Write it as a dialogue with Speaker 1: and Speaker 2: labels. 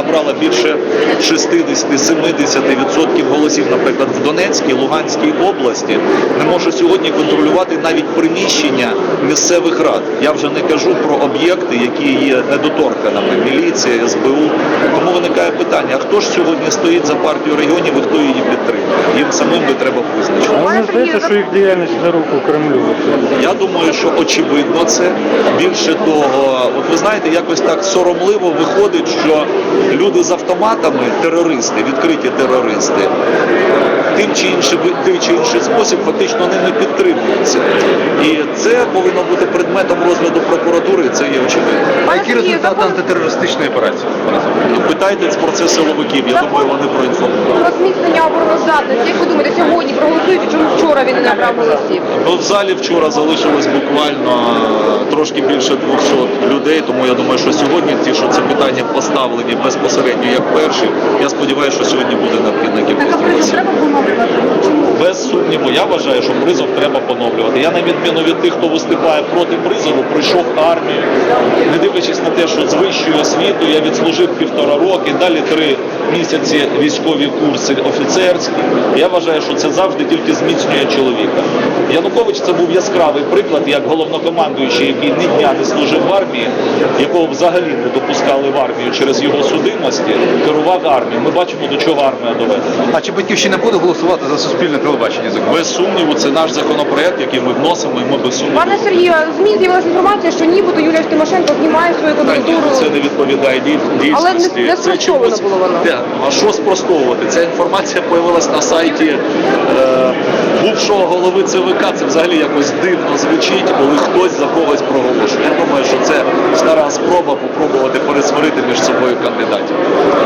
Speaker 1: набрала більше 60-70% голосів, наприклад, в Донецькій, Луганській області, не може сьогодні контролювати навіть приміщення місцевих рад. Я вже не кажу про об'єкти, які є недоторканими, міліція, СБУ. Тому виникає питання, а хто ж сьогодні стоїть за партію регіонів і хто її підтримує? Їм самим би треба визначити.
Speaker 2: Мені здається, що їх діяльність на руку Кремлю.
Speaker 1: Я думаю, що очевидно це. Більше того, от ви знаєте, якось так соромливо виходить, що люди з автоматами, терористи, відкриті терористи, тим чи інший спосіб фактично ними підтримуються. І це повинно бути предметом розгляду прокуратури, це є очевидно.
Speaker 3: А які результати антитерористичної операції?
Speaker 1: Питайте про це силовиків, я думаю, вони проінформують.
Speaker 4: Про зміцнення обороноздатності, як ви думаєте, сьогодні проголосують, чому вчора він не набрав голосів?
Speaker 1: Ну, в залі вчора залишилось буквально трошки більше 200 людей, тому я думаю, що сьогодні ті, що це питання поставлені безпосередньо як перші, я сподіваюся, що сьогодні буде необхідна кількість голосів. Без сумніву, я вважаю, що призов треба поновлювати. Я, на відміну від тих, хто виступає проти призову, прийшов в армію, не дивлячись на те, що з вищою освітою я відслужив 1,5 роки, далі 3 місяці військові курси офіцерські. Я вважаю, що це завжди тільки зміцнює чоловіка. Янукович це був яскравий приклад, як головнокомандуючий, який ні дня не служив в армії, якого взагалі не допускали в армію через його судимості, керував армією. Ми бачимо, до чого армія доведена.
Speaker 3: А чи Батьківщина буде голосувати за суспільне телебачення?
Speaker 1: Без сумніву, це наш законопроект, який ми вносимо, і ми без сумніву.
Speaker 4: Пане Сергію, в ЗМІ з'явилася інформація, що нібито Юлія Тимошенко знімає свою кандидатуру.
Speaker 1: Це не відповідає дійсності.
Speaker 4: Але не спростовано було воно.
Speaker 1: А що спростовувати? Ця інформація з'явилася на сайті бувшого голови ЦВК. Це взагалі якось дивно звучить, коли хтось за когось проголошує. Я думаю, що це стара спроба попробувати пересварити між собою кандидатів.